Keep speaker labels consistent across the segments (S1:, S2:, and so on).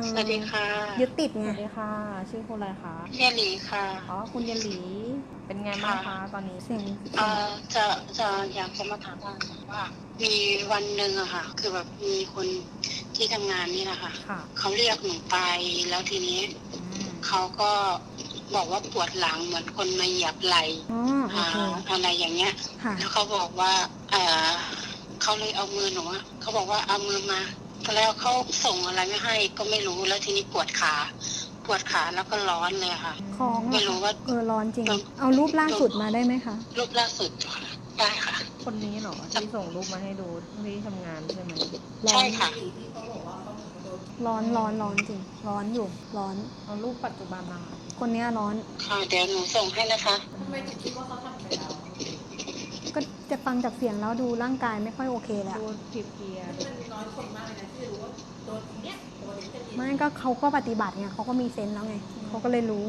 S1: สวัสดีค่ะ
S2: ยึดติดไง
S3: สวัสดีค่ะชื่อคุณอะไรคะ
S1: เยหลีค่ะ
S3: อ๋อคุณเยนหลีเป็นไงบ้างคะตอนนี้
S2: เสียง
S1: จะอยากจะมาถามว่ามีวันหนึ่งอะค่ะคือแบบมีคนที่ทำงานนี่แหละค่ะเขาเรียกหนูไปแล้วทีนี้เขาก็บอกว่าปวดหลังเหมือนคนมาเหยียบไหล่อะไรอย่างเงี้ยแล้วเขาบอกว่าเขาเลยเอามือหนูเขาบอกว่าเอามือมาแล้วเขาส่งอะไรไม่ให้ก็ไม่รู้แล้วทีนี้ปวดขาแล้วก็ร้อนเลยค่ะไม่รู้ว่า
S2: ร้อนจริงเอารูปล่าสุดมาได้ไหมคะ
S1: รูปล่าสุดได้ค่ะ
S3: คนนี้เหรอที่ส่งรูปมาให้ดูที่ทำงานใช่ไหม
S1: ใช่ค่ะ
S2: ร้อนจริงร้อนอยู่ร้อน
S3: เอารูปปัจจุบันมา
S2: คนนี้ร้อน
S1: ค่ะเดี๋ยวหนูส่งให้นะคะ
S3: ทำไมถึงคิดว่าเขาทำไปแล้ว
S2: ก็จะฟังจากเสียงแล้วดูร่างกายไม่ค่อยโอเคแล้ว
S3: ดูเพลียๆมันน้อยคนมากเลยนะที่รู้ว่าโดนเนี้ย
S2: ไม่ก็เขาก็ปฏิบัติไงเขาก็มีเซนส์แล้วไงเขาก็เลยรู้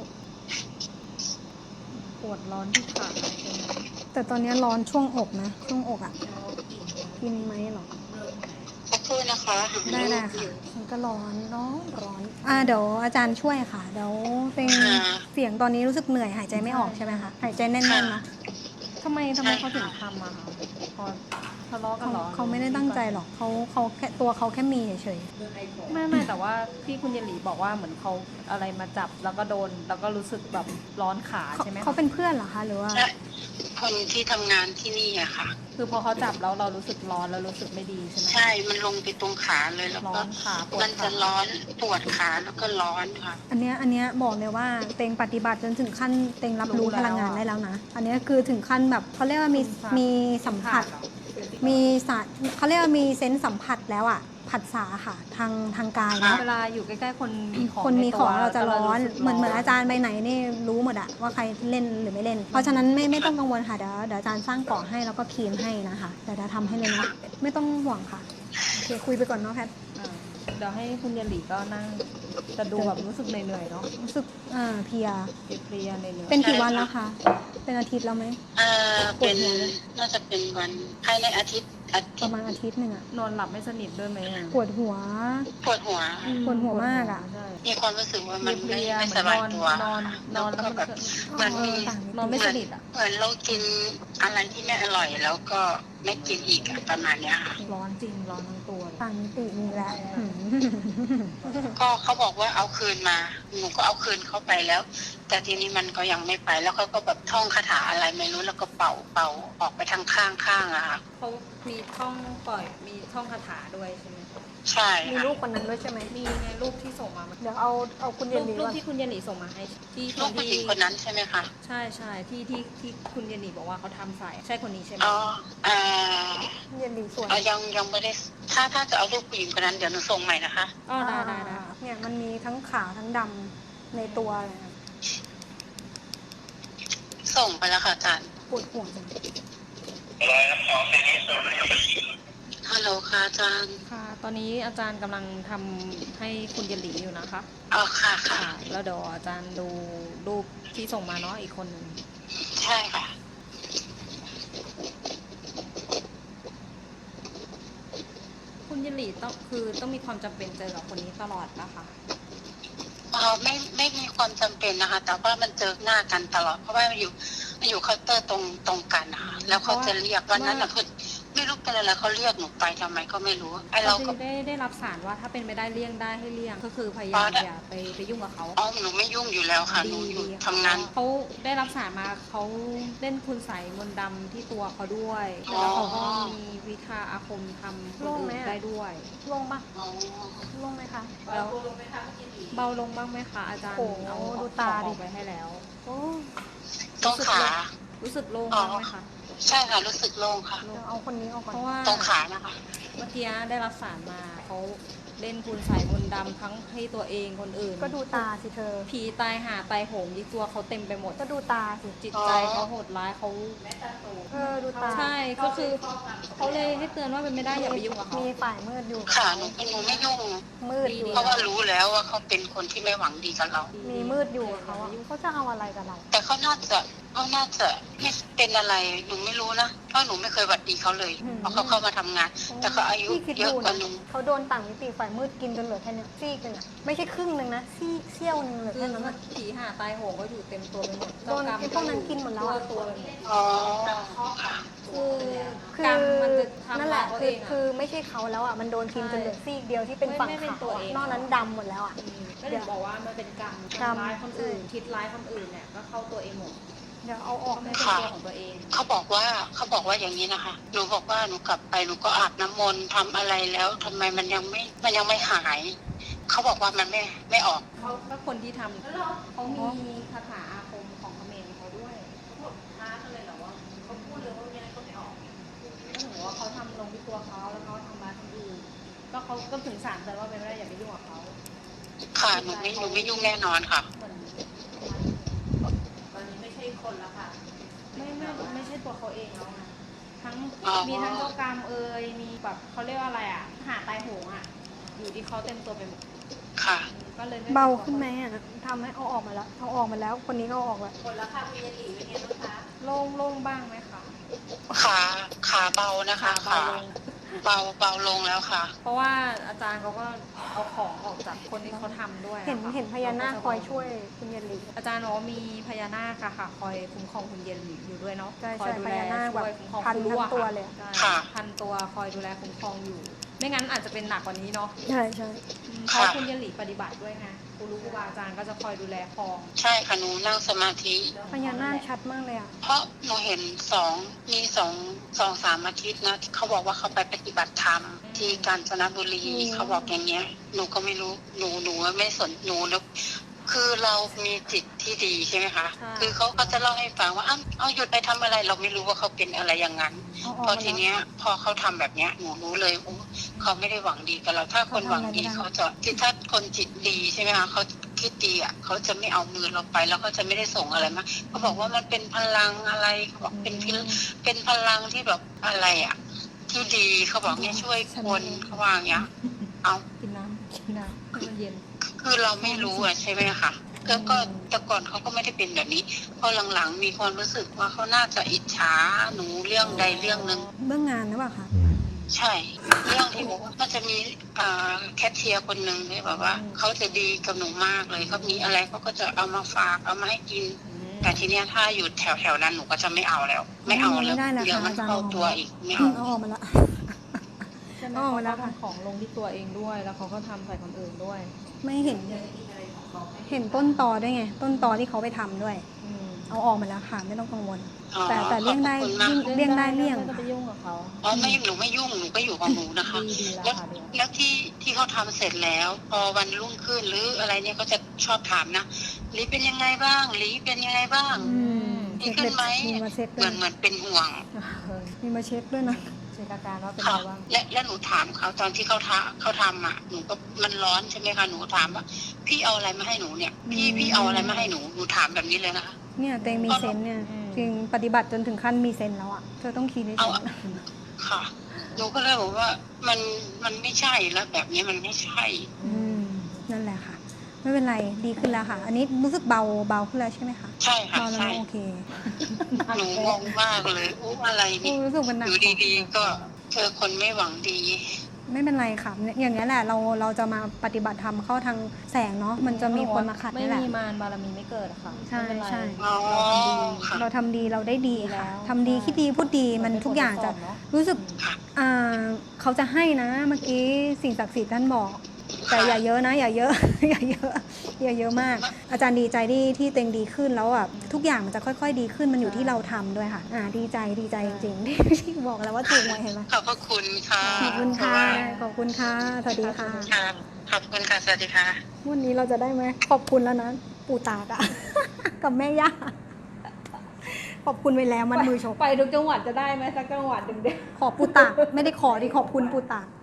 S3: ปวดร้อนที่ขาใช่ไหม
S2: แต่ตอนนี้ร้อนช่วงอกนะช่วงอกอ่ะกินไหมหรอ
S1: สักครู่นะคะ
S2: ได้ค่ะมันก็ร้อนเดี๋ยวอาจารย์ช่วยค่ะเดี๋ยวเป็นเสียงตอนนี้รู้สึกเหนื่อยหายใจไม่ออกใช่ไหมคะหายใจแน่นๆนะ
S3: ทำไมเขาถึงทำอะคะพอทะเลาะกันหรอ
S2: เขาไม่ได้ตั้งใจหรอกเขาแค่ตัวเขาแค่มีเฉย
S3: ๆไม่แต่ว่าที่คุณเยนหลีบอกว่าเหมือนเขาอะไรมาจับแล้วก็โดนแล้วก็รู้สึกแบบร้อนขาใช่ไหม
S2: เขาเป็นเพื่อนเหรอคะหรือว่า
S1: คนที่ทำงานที่นี่อะค่ะ
S3: คือพอเขาจับแล้วเรารู้สึกร้อนแล้วรู้สึกไม่ดีใช่ไหม
S1: ใช่มันลงไปตรงขาเลยแล้วก็มันจะร้อนปวดขาแล้วก็ร้อนค่ะ
S2: อันเนี้ยบอกเลยว่าเต็งปฏิบัติจนถึงขั้นเต็งรับรู้พลังงานได้แล้วนะอันนี้คือถึงขั้นแบบเขาเรียกว่ามีสัมผัสมีเขาเรียกว่ามีเซนส์สัมผัสแล้วอ่ะผัสสะค่ะทางกายนะ
S3: เวลาอยู่ใกล้ๆคนมี
S2: ของเราจะร้อนเหมือนอาจารย์ไปไหนนี่รู้หมดอะว่าใครเล่นหรือไม่เล่นเพราะฉะนั้นไม่ต้องกังวลค่ะเดี๋ยวอาจารย์สร้างเกาะให้แล้วก็คีนให้นะคะเดี๋ยวทำให้เลยนะไม่ต้องห่วงค่ะโอเคคุยไปก่อนเนาะแพท
S3: เดี๋ยวให้คุณเยนหลีก็นั่งจะดูแบบรู้สึกเหนื่อยๆเนาะ
S2: รู้สึกเพลีย
S3: เหนื่อย
S2: เป็นกี่วันแล้วคะเป็นอาทิตย์แล้วไหม
S1: เป็นน่าจะเป็นวันภายในอาทิตย์
S2: ประมาณอาทิตย์หนึ่งอะ
S3: นอนหลับไม่สนิทด้วยไหม
S2: ปวดหัวมากอะ
S1: มีความรู้สึกว่ามันไม่สบายตัวนอนแล้วก็แบบเหมือน
S3: นอนไม่สนิทอะ
S1: เหมือนเรากินอะไรที่ไม่อร่อยแล้วก็ไม่กินอีกประมาณนี้ค่ะ
S3: ร้อนจริงร้อนทั้งตัว
S2: ต่างมิติมีแล้ว
S1: ก็เขาบอกว่าเอาคืนมาหนูก็เอาคืนเข้าไปแล้วแต่ทีนี้มันก็ยังไม่ไปแล้วเขาก็แบบท่องคาถาอะไรไม่รู้แล้วก็เป่าออกไปทางข้างอะค่ะ
S3: เขามีท่องมีท่องคาถาด้วยใช่ไหม
S1: ใช่
S2: มีรูปคนนั้นด้วยใช่ไหม
S3: มีไงรูปที่ส่งมา
S2: เดี๋ยวเอาคุณเยนหลี
S3: รูปที่คุณเยนหลีส่งมาให้ที่
S1: รูปผู้หญิงคนนั้นใช่ไหมคะ
S3: ใช่ที่คุณเยนหลีบอกว่าเขาทำใส่ใช่คนนี้ใช่ไหม
S2: เยนหลีสวย
S1: ยังไม่ได้ถ้าจะเอารูปผู้หญิงคนนั้นเดี๋ยวหนูส่งใหม่นะคะ
S3: ได้
S2: เนี่ยมันมีทั้งขาวทั้งดำในตัวเลย
S1: ส่งไปแล้วค่ะอาจารย์
S2: ปวดหัวจัง
S1: ฮัลโหลค่ะอาจารย์
S3: ค่ะตอนนี้อาจารย์กำลังทำให้คุณเยนหลีอยู่นะคะ
S1: ค่ะ
S3: แล้วเดี๋ยวอาจารย์ดูรูปที่ส่งมาเนาะอีกคนนึง
S1: ใช่ค่ะ
S3: คุณเยนหลีต้องมีความจำเป็นเจอกับคนนี้ตลอดนะคะ
S1: ไม่มีความจำเป็นนะคะแต่ว่ามันเจอหน้ากันตลอดเพราะว่ามันอยู่เคาน์เตอร์ตรงกันนะคะแล้วเขาจะเรียกวันนั้นนะคือไม่รู้เป็นอะไรเขาเรียกหนูไปทำไมก็ไม่รู้
S3: ไอเราก็ได้รับสารว่าถ้าเป็นไม่ได้เลี่ยงได้ให้เลี่ยงก็คือพยายามอย่าไปยุ่งกับเขา
S1: หนูไม่ยุ่งอยู่แล้วค่ะหนูอยู่ทำงาน
S3: เขาได้รับสารมาเขาเล่นคุณใส่มนต์ดำที่ตัวเขาด้วยแล้วเขาก็มีวิชาอาคมทำคนอื่นได้ด้วย
S2: ลงปะลงไหมคะ
S3: แล้วเบาลงบ้างไหมคะอาจารย์เอา
S2: ดูตาดิ
S3: ไปให้แล้ว
S1: ต้องขา
S3: รู้สึกโล่งบ้างไหมคะ
S1: ใช่ค่ะรู้สึกโล่งค่ะ
S2: เอาคนนี้ออกก่อน
S3: เพราะว่า
S1: ตรงขานะคะ
S3: เมื่อกี้ได้รับสารมาเขาเล่นคุณใส่มนต์ดำทั้งให้ตัวเองคนอื่น
S2: ก็ดูตาสิเธอ
S3: ผีตายหาตายโหงที่ตัวเขาเต็มไปหมด
S2: ก็ดูตาสิ
S3: จิตใจเขาโหดร้ายเขา
S2: ดูตา
S3: ใช่ก็คือเขาเลยให้เตือนว่าเป็นไม่ได้อย่าไปยุ่งกับเขา
S2: มีฝ่ายมืดอยู่
S1: ค่ะหนูไม่ยุ่ง
S2: มืดอยู่
S1: เพราะว่ารู้แล้วว่าเขาเป็นคนที่ไม่หวังดีกับเรา
S2: มีมืดอยู่เขาจะเอาอะไรกับเรา
S1: แต่เขาน่าจะเขาน่าจะไม่เป็นอะไรหนูไม่รู้นะเพราะหนูไม่เคยหวัดดีเขาเลยเพราะเขาเข้ามาทำงาน แต่เขาอายุ
S2: พี่คิด
S1: เยอะ
S2: ดู
S1: กว่า
S2: นะ
S1: หนู
S2: เขาโดนต่างมิติฝ่ายมืดกินจนเหลือแค่เนี้ยซีกนึงอะไม่ใช่ครึ่งนึงนะเสี้ยวนึงเหลือ
S3: คื
S2: แค่
S3: อ
S2: นั้นอะ
S3: ผีหาตายโหงก็อยู่เต็มตัวไปหมด
S2: โดนไอ้พวกนั้นกินหมดแล้วอะ
S3: ตัวไปหมด
S1: อ๋อค่ะ
S2: คื
S3: กรร
S2: อ
S3: มมันจะทำ
S2: นั่นแหละ
S3: เรา
S2: คื
S3: เอ
S2: อง
S3: อะ
S2: คือไม่ใช่เขาแล้วอ่ะมันโดนกินจนเหลือซีกเดียวที่เป็นฝั่ง
S3: ไม่เป็น
S2: ขาว
S3: ตัว
S2: อะ
S3: เอง
S2: นอกนั้นดำหมดแล้วอ่ะ
S3: ก็ถึงบอกว่ามันเป็นกรรม
S2: กรรม
S3: ทำร้ายคนอื่นคิดร้ายคนอื่นเนี่ยก็เข้าตัวเองหมด
S2: เดี๋ยวเอาออก
S3: ไม่
S2: ไม่
S3: เป็น
S2: ได้
S3: ตัวของตัวเอง
S1: เขาบอกว่าอย่างนี้นะคะหนูบอกว่าหนูกลับไปหนูก็อาบน้ำมนต์ทำอะไรแล้วทำไมมันยังไม่หายเขาบอกว่ามันไม่ออก
S3: เขาก็คนที่ทำเขามีคาถาอาคมของเขมรเขาด้วยเขาบอกท้ากันเลยเหรอว่าเขาพูดเลยว่ายังไงก็ไม่ออกก็ถือว่าเขาทำลงที่ตัวเขาแล้วเขาทำร้ายคนอื่นก็เขาก็ถึงศาลแต่ว่าเป็นไม่ได้อย่าไปยุ่งกับเขา
S1: ค่ะหนูไม่ยุ่งแน่นอนค่ะ
S3: เหมือนตอนนี้ไม่ใช่คนละค่ะ ไม่ใช่ตัวเขาเองแล้วนะทั้ง
S1: อ๋อ
S3: มีทั้งเจ้ากรรมมีแบบเขาเรียกว่าอะไรอ่ะหาตายโหงอ่ะอยู่ที่เขาเต็มตัวไปหมด
S1: ค่ะ
S3: ก็เลยไม่
S2: เบาขึ้นไหมอ่ะทำให้เอาออกมาแล้วเอาออกมาแล้วคนนี้ก็เอาออกแล้ว
S3: คนละค่ะมียาหลีเป็นไงบ้างคะโล่งบ้างไหมคะ
S1: ขาเบานะคะขาเบาลงแล้วค่ะ
S3: เพราะว่าอาจารย์เขาก็เอาของออกจากคนที่เขาทำด้วย
S2: เห็นพญานาคคอยช่วยคุณเยนหลี
S3: อาจารย์บอกว่ามีพญานาคค่ะคอยคุ้มครองคุณเย็นอยู่ด้วยเนาะ
S2: ใช่
S3: คอยดู
S2: พ
S3: แล
S2: ญานาค
S3: ช่วยคุ้มครอง
S2: พัน
S3: คุณรู้
S2: ทั้งตัวเลยอะ
S3: ใช่
S1: ค่ะ
S3: พันตัวคอยดูแลคุ้มครองอยู่ ไม่งั้นอาจจะเป็นหนักกว่านี้เนาะ
S2: ใช่
S3: เพราะคุณเย็นหลีปฏิบัติด้วยไงครูรู้ครูบาอาจารย์ก็จะคอยดูแลครอง
S1: ใช่ค่ะหนูนั่งสมาธิ
S2: พญานาคชัดมากเลยอ่ะ
S1: เพราะหนูเห็นมีสองสามอาทิตย์นะเขาบอกว่าเขาไปปฏิบัติธรรมที่กาญจนบุรีเขาบอกอย่างเงี้ยหนูก็ไม่รู้หนูไม่สนหนูแล้วคือเรามีจิตที่ดีใช่ไหมคะ
S3: ใช่
S1: คือเขาก็จะเล่าให้ฟังว่าเอาหยุดไปทำอะไร เราไม่รู้ว่าเขาเป็นอะไรอย่างนั้น
S2: เอาออก
S1: พอ
S2: มา
S1: ที
S2: แล้ว
S1: เนี้ยพอเขาทำแบบเนี้ยหนูรู้เลยโอ้เขาไม่ได้หวังดีกับเราถ้าคนหวังดีเขาจะที่ถ้าคนจิตดีใช่ไหมคะเขาคิดดีอ่ะเขาจะไม่เอามือเราไปแล้วเขาจะไม่ได้ส่งอะไรมาเขาบอกว่ามันเป็นพลังอะไรเขาบอกเป็นพลังที่แบบอะไรอ่ะ ที่ดีเขาบอกเนี่ยช่วยคนเขาว่าอย่างเงี้ยเอา
S3: กินน้ำให้มันเย็น
S1: คือเราไม่รู้อ่ะใช่ไหมคะก็แต่ก่อนเขาก็ไม่ได้เป็นแบบนี้พอหลังๆมีความรู้สึกว่าเขาน่าจะอิจฉาหนูเรื่องใดเรื่องหนึ่ง
S2: เบื้องงานหรือเปล่าคะ
S1: ใช่ เรื่องที่บอกว่ามันจะมีแคทเชียร์คนหนึ่งที่แบบว่าเขาจะดีกับหนูมากเลยเขามีอะไรเขาก็จะเอามาฝากเอามาให้กิน แต่ทีเนี้ยถ้าอยู่แถวๆนั้นหนูก็จะไม่เอาแล้ว ไม่เอาแล้ว
S2: ไม่ได้แล้ว
S1: เดี๋ยว
S2: ค่ะ
S1: มัน
S2: อาจารย์
S1: เข้าตัวอีกไม่เอา
S2: เอาออกมาละ
S3: ใช่ไหม
S2: อ๋อ
S3: เขา
S2: แล้
S3: ก็
S2: วค่ะ
S3: ทำของลงที่ตัวเองด้วย แล้วเขาก็ทำใส่คนอื่นด้วย
S2: ไม่เห็นต้นตอด้วยไง ต้นตอที่เขาไปทำด้วย เอาออกมาแล้วค่ะไม่ต้องกังวล
S1: อ๋อ
S2: แต่เลี่ยงได้
S1: ขอบคุณมาก
S2: เลี่ยงได้เลี่ยง
S3: ไม่ต้อง
S2: ค่ะ
S3: ไปยุ่งกับเขา
S1: อ๋อไม่หนูไม่ยุ่งหนูก็อยู่ของหนูนะคะ
S3: ดีแล้
S1: แล้ว ว
S3: ค่ะดี
S1: แล้วที่เขาทำเสร็จแล้ว พอวันรุ่งขึ้นหรืออะไรเนี่ยก็จะชอบถามนะลีเป็นยังไงบ้างลีเป็นยังไงบ้าง ดี
S2: เช็ค
S1: ขึ้นไหม
S2: มีมาเช็ค
S1: เห
S2: ด้วย
S1: มือนเป็นห่วง
S2: มีมาเช็คด้วยนะ
S3: เช็คอาการว่าเป็น
S1: ค่ะ
S3: ไงบ้าง
S1: และหนูถามเขาตอนที่เขาทำอ่ะหนูก็มันร้อนใช่ไหมคะหนูถามว่าพี่เอาอะไรมาให้หนูเนี่ย พี่เอาอะไรมาให้หนูถามแบบนี้เลยนะคะ
S2: เนี่ยเตงมีเซนส์เนี่ยจริงปฏิบัติจนถึงขั้นมีเซนส์แล้วอ่ะเธอต้องคีย์ในเซ
S1: เอา
S2: น
S1: อะ
S2: ส์
S1: ค่ะหนูก็เลยบอกว่ามันไม่ใช่แล้วแบบนี้มันไม่ใช่
S2: นั่นแหละค่ะ ไม่เป็นไรดีขึ้นแล้วค่ะ อันนี้รู้สึกเบาขึ้นแล้วใช่ไหมคะ
S1: ใช่ค่ะ
S2: เบาแล้ว
S1: ใช่
S2: โอเค
S1: หนูงงมากเลยอู้อะไรนี่
S2: รู้สึกมันหนั
S1: อก ยู่ดีๆก็เจอคนไม่หวังดี
S2: ไม่เป็นไรค่ะอย่างนี้ยแหละเราจะมาปฏิบัติธรรมเข้าทางแสงเนาะมันจะมีคนมาขัด
S3: ไม่
S2: นี่แหละ
S3: มีมารบารมีไม่เกิดอะค่ะ
S2: ใช่
S3: ไม่เป็นไร
S2: ใช่
S1: อ๋อ ค่ะ
S2: เราทำดีเราได้ดีค่ะ
S3: แล้ว
S2: ทำดีคิดดีพูดดีมันทุกอย่างจะ
S3: เนอะ
S2: รู้สึก
S1: ค่ะ
S2: เขาจะให้นะเมื่อกี้สิ่งศักดิ์สิทธิ์ท่านบอก แต่อย่าเยอะนะอย่าเยอะ อย่าเยอะอย่าเยอะมาก อาจารย์ดีใจที่เต็งดีขึ้นแล้วอ่ะทุกอย่างมันจะค่อยๆดีขึ้นมันอยู่ที่เราทำด้วยค่ะดีใจจริงๆ ที่บอกแล้วว่าถูกไว้เห็นไหม
S1: ขอบพระคุณค่ะ
S2: ขอบคุณค่ะขอบคุณค่ะสวัสดีค่ะ
S1: ค่ะขอบคุณค่ะสวัสดีค่ะ
S2: วันนี้เราจะได้ไหมขอบคุณแล้วนะปู่ตากอะ กับแม่ย่าขอบคุณไปแล้วมันมือชก
S3: ไปทุกจังหวัดจะได้ไหมสักจังหวัดหนึ่งเดียว
S2: ขอปู่ตากไม่ได้ขอดิขอบคุณปู่ตาก